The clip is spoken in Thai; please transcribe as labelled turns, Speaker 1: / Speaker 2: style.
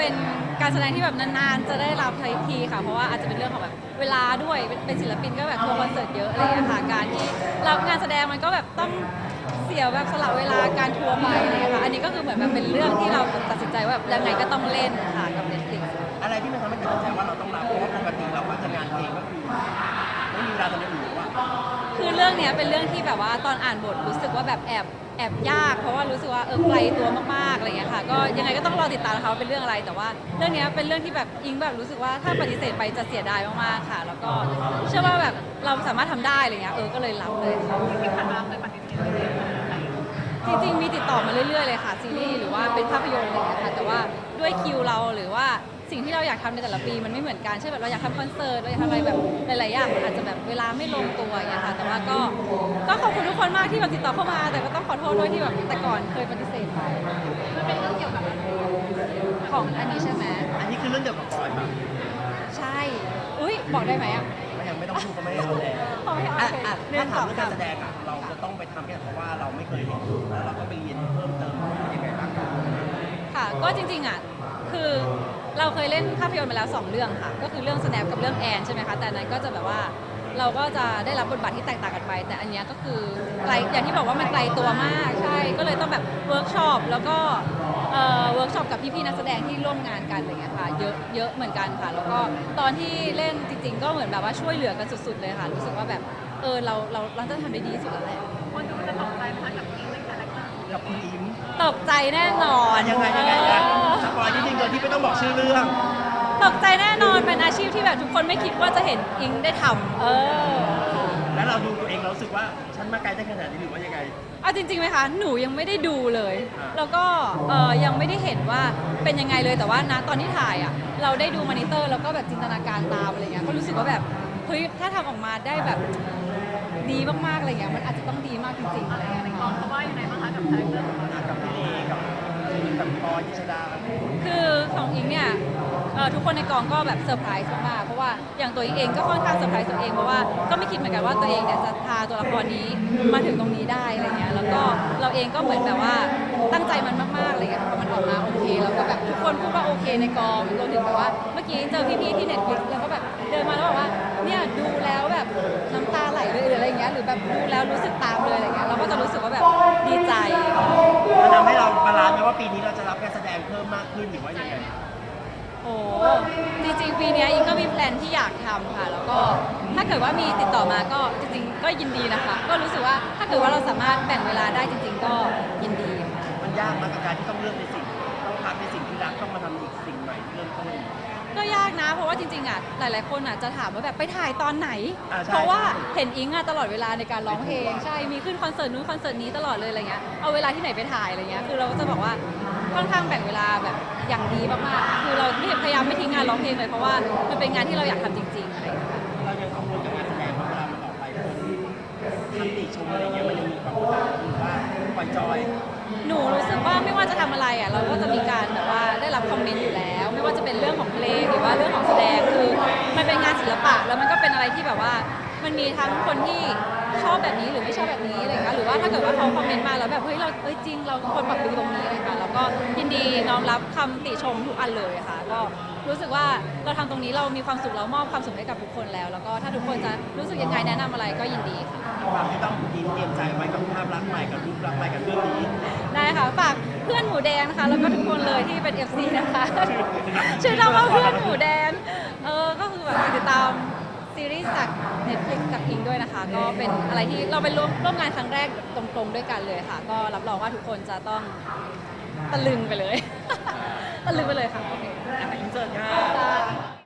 Speaker 1: เป็นการแสดงที่แบบนานๆจะได้รับทีค่ะเพราะว่าอาจจะเป็นเรื่องของแบบเวลาด้วยเป็นศิลปินก็แบบทัวร์คอนเสิร์ตเยอะอะไรอย่างเงี้ยค่ะการที่รับงานแสดงมันก็แบบต้องเสียแบบสละเวลาการทัวร์ไปอะไรอย่างเงี้ยค่ะอันนี้ก็คือเหมือนแบบเป็นเรื่องที่เราตัดสินใจว่าแบบยังไงก็ต้องเล่นค่ะกับ Netflix
Speaker 2: อะไรที่มันทำให้ตัดสินใจว่าเราต้องรับเพราะว่าปกติเราก็จะงานเพลงก็คือไม่มีเวลาทำอย่างอื่นว่า
Speaker 1: คือเรื่องเนี้ยเป็นเรื่องที่แบบว่าตอนอ่านบทรู้สึกว่าแบบแอบยากเพราะว่ารู้สึกว่าไกลตัวมากๆอะไรอย่างเงี้ยค่ะก็ยังไงก็ต้องรอติดตามนะคะว่าเป็นเรื่องอะไรแต่ว่าเรื่องเนี้ยเป็นเรื่องที่แบบอิงแบบรู้สึกว่าถ้าปฏิเสธไปจะเสียดายมากๆค่ะแล้วก็เชื่อว่าแบบเราสามารถทำได้อะไรเงี้ยก็เลยรับเลยค่ะ
Speaker 3: ที่ผ่านมาเคยปฏิเสธเลย
Speaker 1: จริงๆมีติดต่อมาเรื่อยๆเลยค่ะซีรีส์หรือว่าเป็นภาพยนตร์อะไรอย่างเงี้ยค่ะแต่ว่าด้วยคิวเราหรือว่าสิ่งที่เราอยากทำในแต่ละปีมันไม่เหมือนกันเช่นแบบเราอยากทำคอนเสิร์ตเราอยากทำอะไรแบบหลายๆอย่างมันอาจจะแบบเวลาไม่ลงตัวอย่างเงี้ยค่ะแต่ว่าก็ขอบคุณทุกคนมากที่แบบติดต่อเข้ามาแต่ก็ต้องขอโทษด้วยที่แบบแต่ก่อนเคยปฏิเสธไป
Speaker 3: มันเป็นเรื่องเกี่ยวกับอะไร
Speaker 1: ของอันนี้ใช่ไหม
Speaker 2: อันนี้คือเรื่องเดียวกับปอยป่ะ
Speaker 1: ใช่อุ้ยบอกได้ไหมอ่ะ
Speaker 2: มันยังไม่ต้องพูดก็ไม่ได้เอาแรง
Speaker 1: โอเค
Speaker 2: ถ้าถามเรื่องการแสดงเราจะต้องไปทำแค่เพราะว่าเราไม่เคยเห็นแล้วเราก็ไปเรียนเพิ่มเติมยังไงบ้าง
Speaker 1: ค่ะก็จริงๆอ่ะคือเราเคยเล่นภาพยนตร์มาแล้ว2เรื่องค่ะก็คือเรื่อง Snap กับเรื่องแอนใช่ไหมคะแต่อันนั้นก็จะแบบว่าเราก็จะได้รับบทบาทที่แตกต่างกันไป แต่อันเนี้ยก็คือไกลอย่างที่บอกว่ามันไกลตัวมากใช่ก็เลยต้องแบบเวิร์กช็อปแล้วก็เวิร์กช็อปกับพี่ๆนักแสดงที่ร่วมงานกันอะไรเงี้ยค่ะเยอะเหมือนกันค่ะแล้วก็ตอนที่เล่นจริงๆก็เหมือนแบบว่าช่วยเหลือกันสุดๆเลยค่ะรู้สึกว่าแบบเราจะทำได้ดีที่สุดแล้วแหละ
Speaker 3: คนดูจะตกใจไหมคะกับอิงในคาแรคเตอร์
Speaker 2: กับคุณอิม
Speaker 1: ตกใจแน่นอน
Speaker 2: ยังไงสปอยนิดนึงโดยที่ไม่ต้องบอกชื่อเรื่อง
Speaker 1: ตกใจแน่นอนเป็นอาชีพที่แบบทุกคนไม่คิดว่าจะเห็นอิงได้ทำ
Speaker 2: แล้วเราดูตัวเองเรารู้สึกว่าฉันมาไกลได้ขนาดนี้หรือว่ายังไง
Speaker 1: เอาจริงๆไหมคะหนูยังไม่ได้ดูเลย
Speaker 2: อ่า
Speaker 1: แล้วก็ยังไม่ได้เห็นว่าเป็นยังไงเลยแต่ว่านะตอนที่ถ่ายอ่ะเราได้ดูมอนิเตอร์แล้วก็แบบจินตนาการตามอะไรเงี้ยก็รู้สึกว่าแบบเฮ้ยถ้าทำออกมาได้แบบดีมากๆอะไรเงี้ยมันอาจจะต้องดีมากจริงๆอะไรเงี้ย
Speaker 3: ในก
Speaker 1: ค่ะ
Speaker 3: องเขาว่ายังไงบ้างคะกับคาแรคเตอร์ของเรา
Speaker 2: กับพี่เลกับพี่ปอยยิชดา
Speaker 1: คือของอิงเนี่ยทุกคนในกองก็แบบเซอร์ไพรส์มากๆเพราะว่าอย่างตัวอิงเองก็ค่อนข้างเซอร์ไพรส์ตัวเองเพราะว่าก็ไม่คิดเหมือนกันว่าตัวเองเนี่ยจะพาตัวละครนี้มาถึงตรงนี้ได้อะไรเงี้ยแล้วก็เราเองก็เหมือนแบบว่าตั้งใจมันมากๆอะไรเงี้ยพอมันออกมาโอเคแล้วก็แบบทุกคนพูดว่าโอเคในกองรวมถึงแบบว่าเมื่อกี้เจอพี่ๆที่ Netflix แล้วก็แบบเดินมาแล้วบอกว่าเนี่ยดูแล้วแบบน้ำตาไหลเลยหรืออะไรเงี้ยหรือแบบดูแล้วรู้สึกตามเลยอะไรเงี้ยเราก็จะรู้สึกว่าแบบดีใจ
Speaker 2: มันทำให้เราบาลานซ์ไหมว่าปีนี้เราจะรับการแสดงเพิ่มมากขึ้นหรือว่ายังไง
Speaker 1: โอ้จริงๆปีเนี้ยอิงก็มีแพลนที่อยากทำค่ะ แล้วก็ถ้าเกิดว่ามีติดต่อมาก็จริงๆก็ยินดีนะคะ ก็รู้สึกว่าถ้าเกิดว่าเราสามารถแบ่งเวลาได้จริง ๆ ก็ยินดีค่ะ
Speaker 2: มันยากมากกับการที่ต้องเลือกในสิ่งต้องพักในสิ่งที่รักต้องมาทำอีกสิ่งใหม่เริ่มต้น
Speaker 1: ก็ยากนะ เพราะว่าจริงๆอ่ะหลายๆคนอ่ะจะถามว่าแบบไปถ่ายตอนไหน
Speaker 2: ใช่
Speaker 1: เพราะว่าเห็นอิงอ่ะตลอดเวลาในการร้องเพลงใช่มีขึ้นคอนเสิร์ตนู้นคอนเสิร์ตนี้ตลอดเลยอะไรเงี้ยเอาเวลาที่ไหนไปถ่ายอะไรเงี้ยคือเราก็จะบอกว่าค่อนข้างแบ่งเวลาแบบอย่างดีมากๆคือเราพยายามไม่ทิ้งงานร้องเพลงเลยเพราะว่ามันเป็นงานที่เราอยากทำจริงๆอะไรอย่างเงี้ย
Speaker 2: เรายังกังวลกับงานแสดงว่าเวลามันออกไปคนคำติชมอะไรเงี้ยมันยังมีความกดดันหรือว่าปล่อยจอย
Speaker 1: หนูรู้สึกว่าไม่ว่าจะทำอะไรอ่ะเราก็จะมีการแบบว่าได้รับคอมเมนต์อยู่แล้ว ไม่ว่าจะเป็นเรื่องของเพลงหรือว่าเรื่องของแสดงคือมันเป็นงานศิลปะแล้วมันก็เป็นอะไรที่แบบว่ามันมีทั้งคนที่ชอบแบบนี้หรือไม่ชอบแบบนี้อะไรอย่างเงี้ยหรือว่าถ้าเกิดว่าเขาคอมเมนต์มาแล้วแบบเฮ้ยเราจริงเราควรปรับปรุงตรงนี้อะไรค่ะแล้วก็ยินดีน้อมรับคำติชมทุกอันเลยค่ะก็รู้สึกว่าเราทำตรงนี้เรามีความสุขเรามอบความสุขให้กับทุกคนแล้ว แล้วก็ถ้าทุกคนจะรู้สึกยังไงแนะนำอะไรก็ยินดีค่ะ
Speaker 2: ความที่ต้องยินเตรียมใจไว้กับภาพลักษณ์ใหม่กับรูปลักษณ์ใหม่กับเรื่องนี้
Speaker 1: ได้ค่ะฝากเพื่อนหมูแดงนะคะแล้วก็ทุกคนเลยที่เป็น FC นะคะชื่อเราว่าเพื่อนหมูแดงก็คือแบบติดตามซีรีส์จาก Netflix จากอิงด้วยนะคะ ก็เป็นอะไรที่เราไปร่วมงานครั้งแรกตรงๆด้วยกันเลยค่ะ ก็รับรองว่าทุกคนจะต้องตะลึงไปเลย ตะลึงไปเลยค่ะโอเค
Speaker 2: อินเสิร์ตค่ะ
Speaker 1: ได้